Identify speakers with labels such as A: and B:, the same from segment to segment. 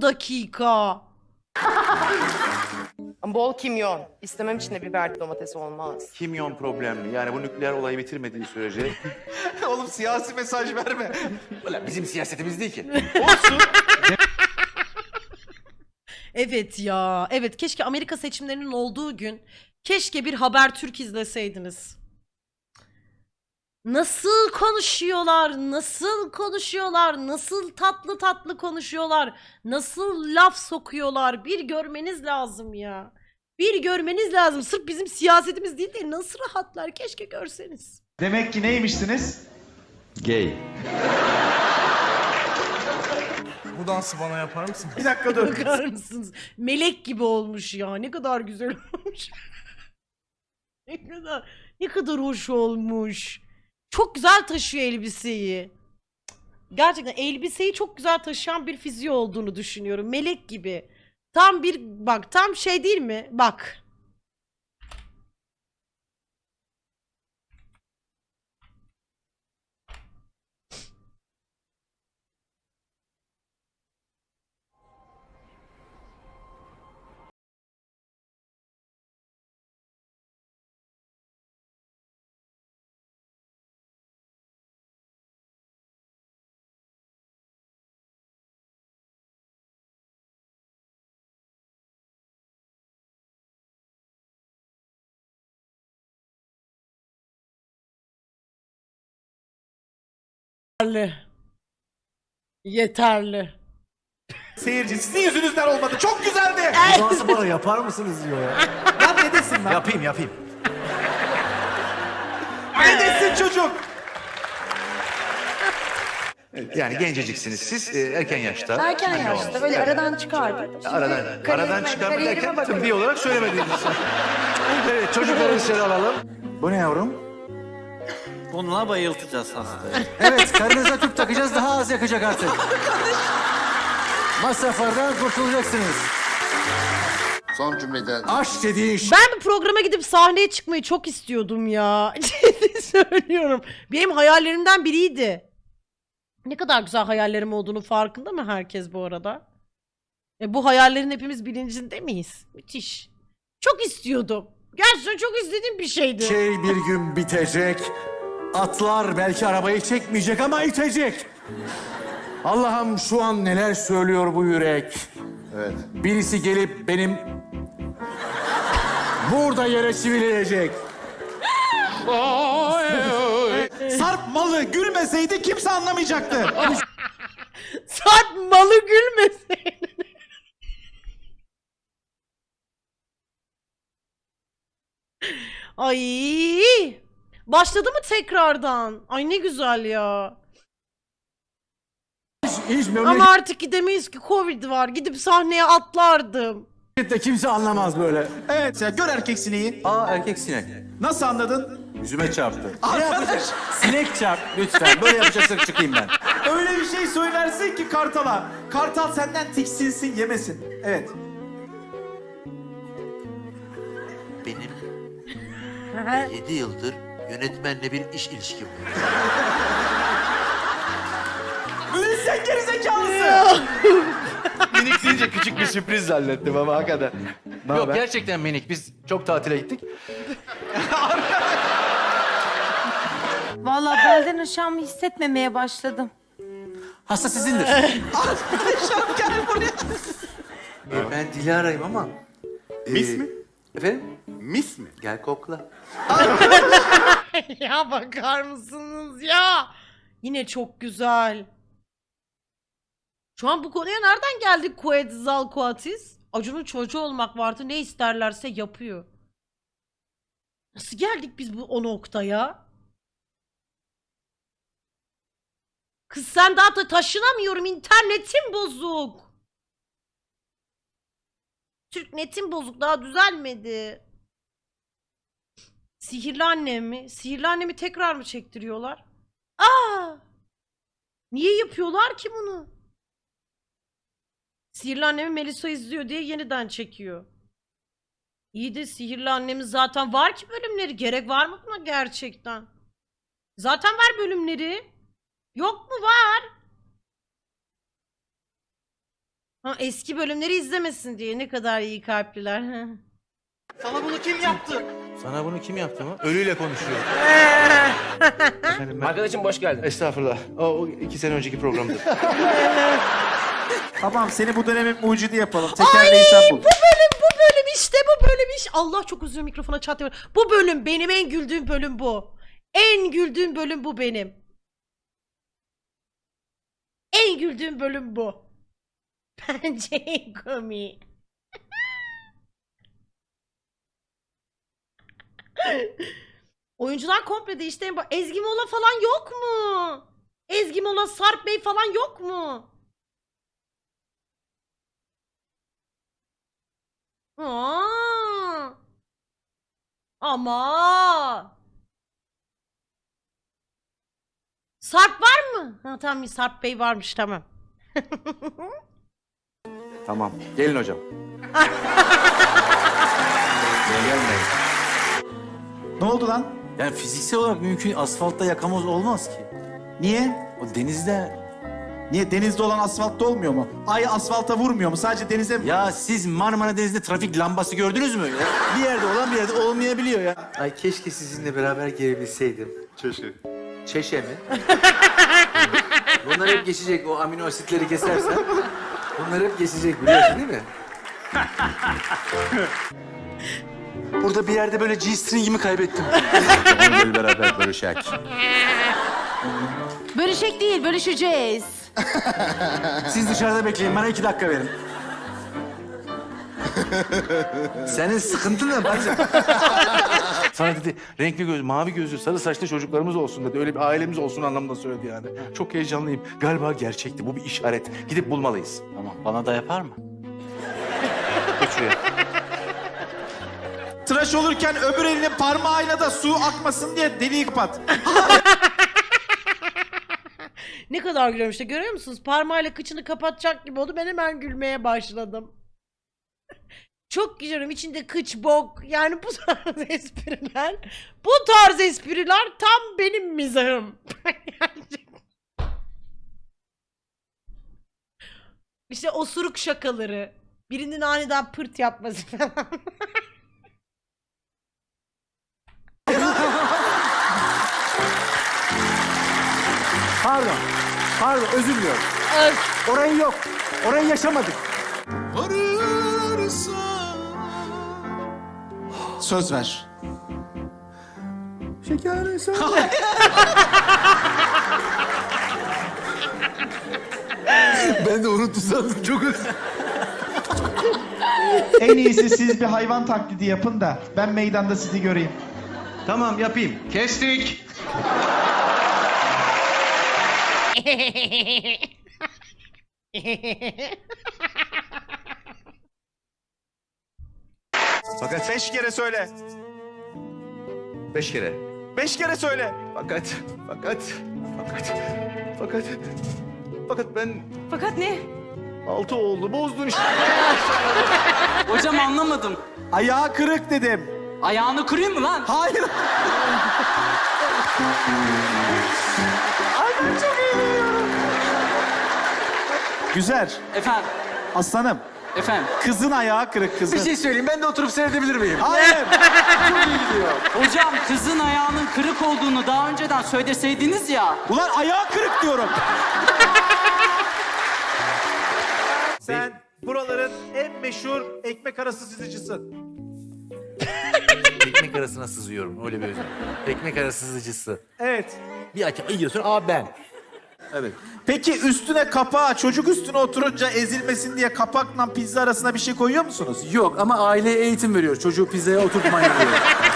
A: 10 dakika.
B: Bol kimyon. İstemem için de biberli domates olmaz.
C: Kimyon problemli. Yani bu nükleer olayı bitirmediği sürece.
D: Oğlum siyasi mesaj verme.
C: Ulan bizim siyasetimiz değil ki.
D: Olsun.
A: Evet ya. Evet, keşke Amerika seçimlerinin olduğu gün keşke bir Habertürk izleseydiniz. Nasıl konuşuyorlar, nasıl konuşuyorlar, nasıl tatlı tatlı konuşuyorlar, nasıl laf sokuyorlar. Bir görmeniz lazım ya. Bir görmeniz lazım. Sırf bizim siyasetimiz değil de nasıl rahatlar, keşke görseniz.
D: Demek ki neymişsiniz?
C: Gay.
E: Bu dansı bana yapar mısın?
D: Bir dakika dur.
A: Bakar mısınız? Melek gibi olmuş ya. Ne kadar güzel olmuş. ne kadar hoş olmuş. Çok güzel taşıyor elbiseyi. Gerçekten elbiseyi çok güzel taşıyan bir fiziği olduğunu düşünüyorum. Melek gibi. Tam bir bak, tam şey değil mi? Bak. Yeterli. Yeterli.
D: Seyirci sizin yüzünüzden olmadı. Çok güzeldi.
E: Bu dansı bana yapar mısınız diyor ya.
D: Ya ne desin lan?
E: Yapayım.
D: Ne desin çocuk?
C: Yani genceciksiniz siz erken yaşta.
F: Erken yaşta böyle aradan çıkardım.
C: Aradan çıkarma derken tıbbi olarak söylemediğiniz için. Evet, çocukları içeri alalım. Bu ne yavrum?
G: Bununla bayıltacağız hastayı.
E: Evet, karınıza tüp takacağız, daha az yakacak artık. Masraflardan kurtulacaksınız.
H: Son cümleden
E: Aşk dediğin
A: Ben bu programa gidip sahneye çıkmayı çok istiyordum ya. Ciddi söylüyorum. Benim hayallerimden biriydi. Ne kadar güzel hayallerim olduğunu farkında mı herkes bu arada? Bu hayallerin hepimiz bilincinde miyiz? Müthiş. Çok istiyordum. Gerçekten çok istediğim bir şeydi.
E: şey bir gün bitecek. Atlar belki arabayı çekmeyecek ama itecek. Allah'ım şu an neler söylüyor bu yürek.
H: evet.
E: Birisi gelip benim burada yere çivileyecek.
D: Sarp malı gülmeseydi kimse anlamayacaktı.
A: Sarp malı gülmesin. Ay! Başladı mı tekrardan? Ay ne güzel ya.
E: Hiç
A: Ama artık gidemeyiz ki, Covid var. Gidip sahneye atlardım.
E: memlekette kimse anlamaz böyle.
D: Evet ya gör erkek sineği.
C: Aa, erkek sinek.
D: Nasıl anladın?
C: Yüzüme çarptı.
D: Arkadaş
C: Sinek çarp lütfen. Böyle yapacaksak çıkayım ben.
D: öyle bir şey söylersin ki Kartal'a. Kartal senden tiksinsin yemesin. Evet.
I: Benim 7 yıldır yönetmenle bir iş ilişkim var.
D: Sen gerizekalısın.
C: Minik deyince küçük bir sürpriz zannettim ama hakikaten. Yok gerçekten minik. Biz çok tatile gittik.
F: Vallahi belden aşağımı hissetmemeye başladım.
E: Hasta sizindir.
I: Ben Dilara'yım ama...
C: Mis mi?
I: Efendim?
C: Mis mi?
I: Gel kokla.
A: Ya bakar mısınız ya? Yine çok güzel. Şu an bu konuya nereden geldik? Quetzalcoatlus. Acun'un çocuğu olmak vardı. Ne isterlerse yapıyor. Nasıl geldik biz o noktaya? Kız sen daha da taşınamıyorum. İnternetim bozuk. Türk netim bozuk. Daha düzelmedi. Sihirli annem mi? Sihirli annemi tekrar mı çektiriyorlar? Aa! Niye yapıyorlar ki bunu? Sihirli annemi Melisa izliyor diye yeniden çekiyor. İyi de Sihirli annemin zaten var ki bölümleri. Gerek var mı buna gerçekten? Zaten var bölümleri. Yok mu? Var. Ha, eski bölümleri izlemesin diye ne kadar iyi kalpliler.
G: Sana bunu kim yaptı?
C: Sana bunu kim yaptı mı? Ölüyle konuşuyor. Efendim ben...
J: Arkadaşım hoş geldin.
C: Estağfurullah. O 2 sene önceki programdı.
D: Tamam seni bu dönemin mucidi yapalım. Tekerleği sen bul.
A: Bu bölüm işte bu bölüm iş. Allah çok özür dilerim, mikrofona çatıyorum. Bu bölüm benim en güldüğüm bölüm bu. En güldüğüm bölüm bu benim. En güldüğüm bölüm bu. Bence en komik. Oyuncular komple değişti. Ezgi Mola falan yok mu? Ezgi Mola, Sarp Bey falan yok mu? Aa. Ama. Sarp var mı? Ha tamam, Sarp Bey varmış, tamam.
C: Tamam. Gelin hocam. Gelmeyin.
D: Ne oldu lan?
E: Yani fiziksel olarak mümkün asfaltta yakamoz olmaz ki.
D: Niye?
E: O denizde...
D: Niye denizde olan asfaltta olmuyor mu? Ay asfalta vurmuyor mu? Sadece denize mi?
E: Ya siz Marmara Denizi'nde trafik lambası gördünüz mü? Ya? Bir yerde olan bir yerde olmayabiliyor ya.
I: Ay keşke sizinle beraber gelebilseydim.
H: Çeşke.
I: Çeşe mi? Bunlar hep geçecek. O amino asitleri kesersen. Bunlar hep geçecek biliyorsun değil mi?
E: Burada bir yerde böyle G-string'imi kaybettim. Gel beraber bölüşek.
F: Bölüşek değil, bölüşeceğiz.
E: Siz dışarıda bekleyin, bana 2 dakika verin. Senin sıkıntın ne bacım? Sana dedi renkli göz, mavi gözlü, sarı saçlı çocuklarımız olsun dedi. Öyle bir ailemiz olsun anlamında söyledi yani. Çok heyecanlıyım. Galiba gerçekti. Bu bir işaret. Gidip bulmalıyız.
G: Tamam, bana da yapar mı?
E: Geç şuraya.
D: Tıraş olurken öbür elinin parmağıyla da su akmasın diye deliği kapat.
A: Ne kadar gülüyorum işte, görüyor musunuz? Parmağıyla kıçını kapatacak gibi oldu. Ben hemen gülmeye başladım. Çok gülüyorum. İçinde kıç, bok. Yani bu tarz espriler. Bu tarz espriler tam benim mizahım. İşte osuruk şakaları. Birinin aniden pırt yapması falan.
E: Pardon. Pardon, özür diliyorum. Orayı yok. Orayı yaşamadık.
D: Söz ver.
E: Şeker söyle. Ben de unuttum sandım. Çok özür.
D: En iyisi siz bir hayvan taklidi yapın da ben meydanda sizi göreyim.
C: Tamam yapayım. Kestik. Fakat
D: 5 kere söyle.
C: 5 kere.
D: 5 kere söyle.
C: Fakat ben
F: Fakat ne?
C: 6 oldu. Bozdun işte.
J: Hocam anlamadım.
D: Ayağı kırık dedim.
J: Ayağını kırayım mı lan?
D: Hayır. Ay ben çok eğleniyorum. Güzel.
J: Efendim,
D: Aslanım.
J: efendim.
D: Kızın ayağı kırık kızın.
E: Bir şey söyleyeyim, ben de oturup seyredebilir miyim?
D: Hayır.
J: Hocam kızın ayağının kırık olduğunu daha önceden söyleseydiniz ya.
D: Ulan ayağı kırık diyorum. Sen buraların en meşhur ekmek arası sızıcısın.
I: Ekmek arasına sızıyorum. Öyle bir özel. Ekmek arası sızıcısı.
D: Evet.
I: Bir açıyorsun. Aa ben. Evet.
D: Peki üstüne kapağı, çocuk üstüne oturunca ezilmesin diye kapakla pizza arasına bir şey koyuyor musunuz?
E: Yok ama aileye eğitim veriyor. Çocuğu pizzaya oturtmayın diyor.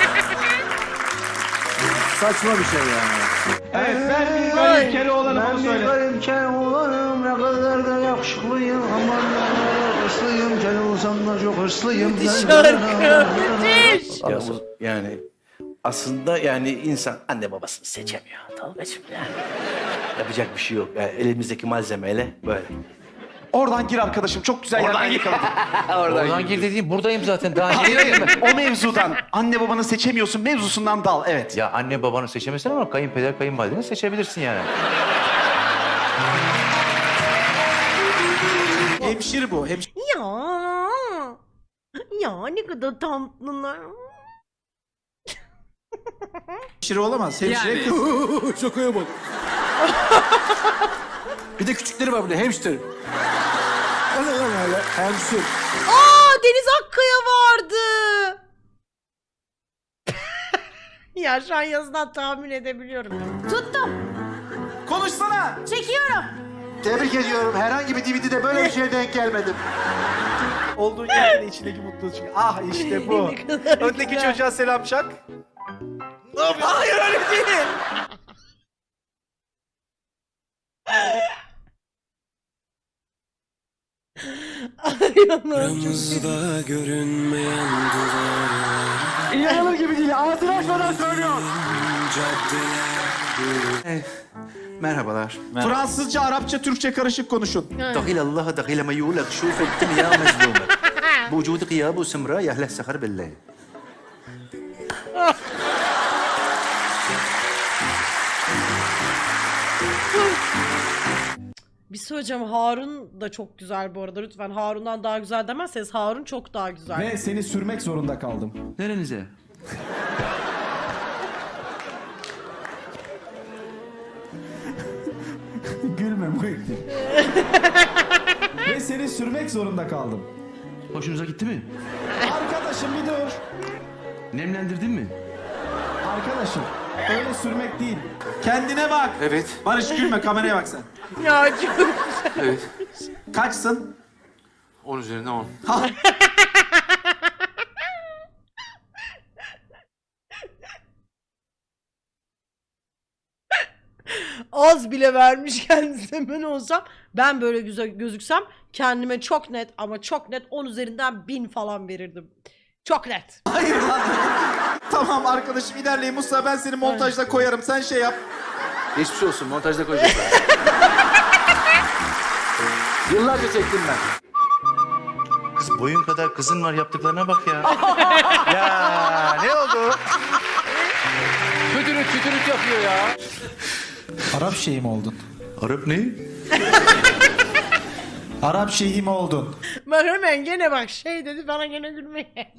E: Saçma bir şey yani.
D: Evet, ben bir garip kere olanım onu söyle.
E: olanım, ne kadar da yakışıklıyım. Aman ne kadar hırslıyım. Gel olsam da çok hırslıyım.
A: Müthiş şarkı. Müthiş.
C: Ya yani aslında yani insan anne babasını seçemiyor Tolga'cığım yani. Yapacak bir şey yok. Yani elimizdeki malzemeyle böyle.
D: Oradan gir arkadaşım, çok güzel yerden yakaladın.
I: Oradan gir dediğim buradayım zaten. Daha
D: Hayır, o mevzudan. Anne babanı seçemiyorsun mevzusundan dal, evet.
I: Ya anne babanı seçemezsin ama kayınpeder kayınvalideni seçebilirsin yani.
D: Hemşire bu.
A: Ya. Ya ne kadar tatlılar.
D: Hemşire olamaz. Hemşire kız.
I: Şakaya bak. Bir de küçükleri var burada. Hamster. O ne lan öyle? Hamster.
A: Aa, Deniz Akkaya vardı. Ya şu an yazıdan tahmin edebiliyorum.
F: Tuttum.
D: Konuşsana.
F: Çekiyorum.
C: Tebrik ediyorum. Herhangi bir DVD'de böyle bir şeye denk gelmedim.
G: Olduğun yerin içindeki mutluluğu çıkıyor. Ah işte bu.
A: Ne kadar
G: Öndeki
A: güzel.
G: çocuğa selam çak. Ne yapıyorsun? Hayır öyle değil.
A: Aramızda
E: İnanılır gibi değil. Ağzını açmadan söylüyor. Merhabalar.
D: Fransızca, Arapça, Türkçe karışık konuşun.
E: دخيل الله دخيل ما يقولك شوف الدنيا مظلومة بوجود غياب وسمراء يهله السخر بالليل.
A: Bir söyleyeceğim, Harun da çok güzel bu arada. Lütfen Harun'dan daha güzel demezseniz Harun çok daha güzel.
K: Ve seni sürmek zorunda kaldım.
E: Nerenize?
K: Gülme Muhittin. Ve seni sürmek zorunda kaldım.
E: Hoşunuza gitti mi?
K: Arkadaşım bir dur.
E: Nemlendirdin mi?
K: Arkadaşım öyle sürmek değil.
D: Kendine bak.
I: Evet.
D: Barış gülme, kameraya bak sen.
A: Ya çok güzel.
I: Evet.
D: Kaçsın?
I: 10 üzerinden 10.
A: Az bile vermiş kendisine, ben olsam, ben böyle güzel gözüksem kendime çok net ama çok net 10 üzerinden 1000 falan verirdim. Çok net.
D: Hayır lan. Tamam arkadaşım ilerleyin. Musa ben seni montajda koyarım. Sen şey yap.
I: Geçmiş olsun. Montajda koyacaklar. Yıllarca çektim ben.
E: Kız boyun kadar kızın var, yaptıklarına bak ya. Ya ne oldu?
I: Tütürüt tütürüt yapıyor ya.
K: Arap şeyhi mi oldun?
E: Arap ne?
K: Arap şeyhi mi oldun?
A: Ben hemen gene bak şey dedi, bana gene gülmeye.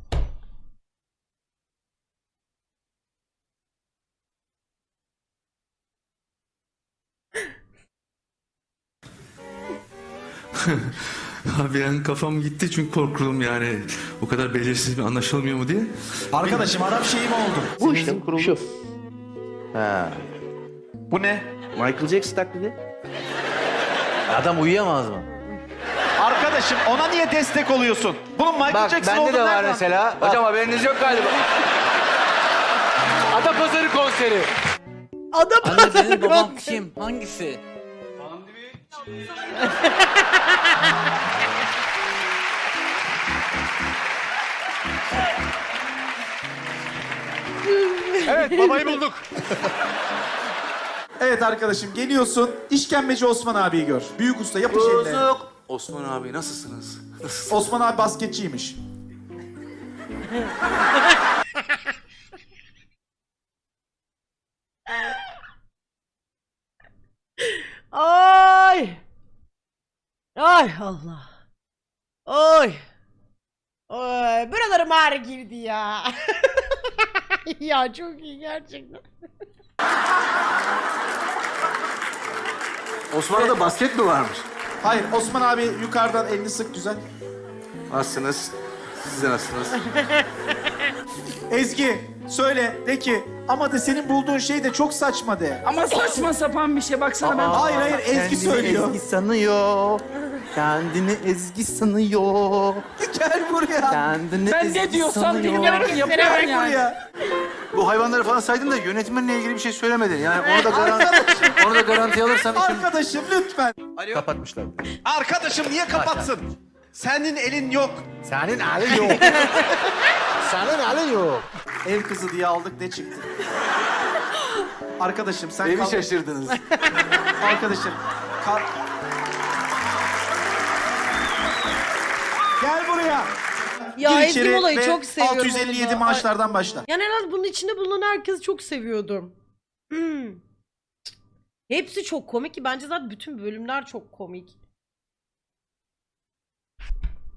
E: Abi yani kafam gitti çünkü korktum yani. O kadar belirsiz bir anlaşılmıyor mu diye.
K: Arkadaşım Arap şeyhi mi oldun?
C: Bu işte şu. Ha.
D: Bu ne?
C: Michael Jackson taklidi.
I: Adam uyuyamaz mı?
D: Arkadaşım ona niye destek oluyorsun? Bunun Michael
I: Bak
D: Jackson
I: bende de
D: olduğunu
I: var
D: nereden-
I: mesela. Hocam haberiniz yok galiba. Adapazarı konseri.
A: Adam
J: Anne benim babam kim? Hangisi?
E: Evet babayı bulduk.
D: Evet arkadaşım geliyorsun. İşkembeci Osman abiyi gör. Büyük usta yapış elle.
I: Bozuk. Osman abi nasılsınız?
D: Osman abi basketçiymiş.
A: Ay. Ay Allah. Oy. Oy. Buralarım ağrı girdi ya. Ya çok iyi gerçekten.
I: Osmanlı'da basket mi varmış?
D: Hayır Osman abi yukarıdan elini sık güzel.
I: Nasılsınız? Siz de nasılsınız?
D: Ezgi söyle de ki ama de senin bulduğun şey de çok saçma de.
J: Ama saçma sapan bir şey baksana ben.
D: Hayır hayır Ezgi söylüyor.
E: sanıyor. Kendini Ezgi sanıyor.
D: Gel buraya.
E: Kendini
J: Ben ne diyorsam dinlemek yapıyorum
D: Gel
J: yani.
D: buraya.
E: Bu hayvanları falan saydın da yönetmenle ilgili bir şey söylemedin. Yani onu da garanti alırsam için
D: Arkadaşım lütfen.
E: kapatmışlar.
G: Arkadaşım niye kapatsın? Senin elin yok.
E: Senin halin yok. Senin halin yok.
D: Ev kızı diye aldık ne çıktı? Arkadaşım sen
I: Evi
D: kal.
I: şaşırdınız.
D: Arkadaşım kal. Gel buraya.
A: Ya
D: Gir
A: Ezgi
D: içeri
A: Mola'yı
D: ve
A: çok seviyorum.
D: 657
A: onu da.
D: maaşlardan başla.
A: Yani en az bunun içinde bulunan herkesi çok seviyordum. Hepsi çok komik ki bence zaten bütün bölümler çok komik.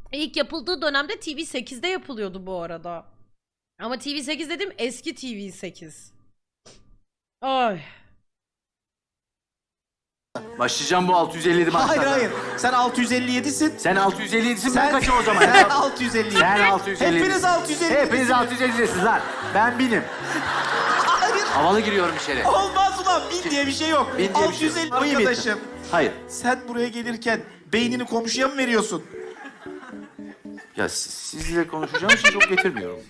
A: İlk yapıldığı dönemde TV8'de yapılıyordu bu arada. Ama TV8 dedim eski TV8. Ay.
I: Başlayacağım bu 657 maçlardan.
D: Hayır hayır. Sen 657'sin.
I: Sen 657'sin ben
D: Sen
I: kaçım o zaman?
D: Sen 657.
I: Sen 657.
D: Hepiniz 657.
I: Hepiniz 657'siniz lan. Ben binim.
D: Hayır.
I: Havalı giriyorum içeri.
D: Olmaz ulan. 1000 diye bir şey yok.
I: Bin diye bir şey yok.
D: 650
I: Bu iyi mi?
D: arkadaşım.
I: Hayır.
D: Sen buraya gelirken beynini komşuya mı veriyorsun?
I: Ya sizle konuşacağım için çok getirmiyorum.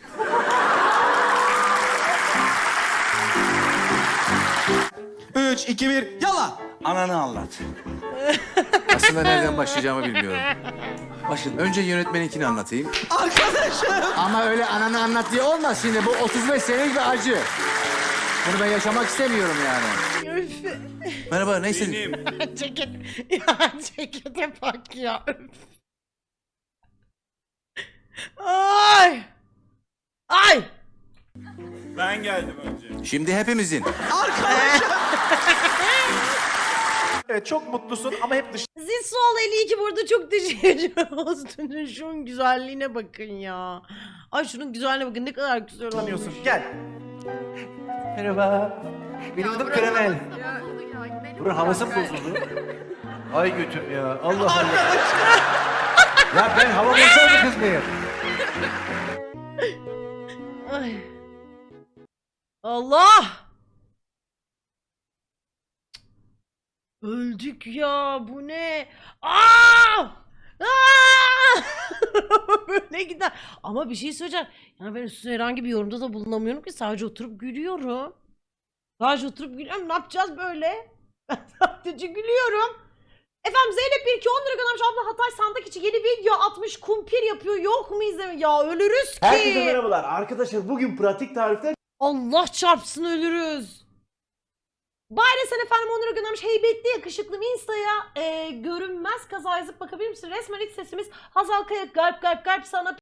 D: Üç, iki, bir, yala.
E: Ananı anlat.
I: Aslında nereden başlayacağımı bilmiyorum. Önce yönetmeninkini anlatayım.
D: Arkadaşım.
I: Ama öyle ananı anlat diye olmaz şimdi. Bu 35 senelik bir acı. Bunu ben yaşamak istemiyorum yani.
A: Üf.
I: Merhaba, neyse.
A: Ceket. Ya cekete bak ya. Üf. Ay. Ay.
K: Ben geldim önce.
I: Şimdi hepimizin.
D: Arkadaşım. Evet çok mutlusun ama hep
A: Zisol 52 burada çok teşekkür olsun. Şunun güzelliğine bakın ya. Ay şunun güzelliğine bakın ne kadar güzel olmuş.
D: dışlanıyorsun. Gel.
G: Merhaba. Benim adım Karamel. Buranın havası mı bozuldu? Ay götüm ya. Allah Allah. Ya ben hava bozuldu kız mıyım?
A: Ay. Allah! Öldük ya bu ne? Aa! Aa! Böyle gider. Ama bir şey söyleyeceğim. Yani ben üstüne herhangi bir yorumda da bulunamıyorum ki sadece oturup gülüyorum. Sadece oturup gülüyorum. Ne yapacağız böyle? Ben sadece gülüyorum. Efendim Zeynep 1 2 10 lira göndermiş. Abla Hatay sandık içi yeni video atmış. Kumpir yapıyor. Yok mu izleme? Ya ölürüz ki.
G: Herkese merhabalar. Arkadaşlar bugün pratik tarifler
A: Allah çarpsın ölürüz. Bayre efendim 10 lira göndermiş. Heybetli yakışıklım Insta'ya görünmez kaza yazıp bakabilir misin? Resmen iç sesimiz Hazal Kaya kalp kalp kalp sana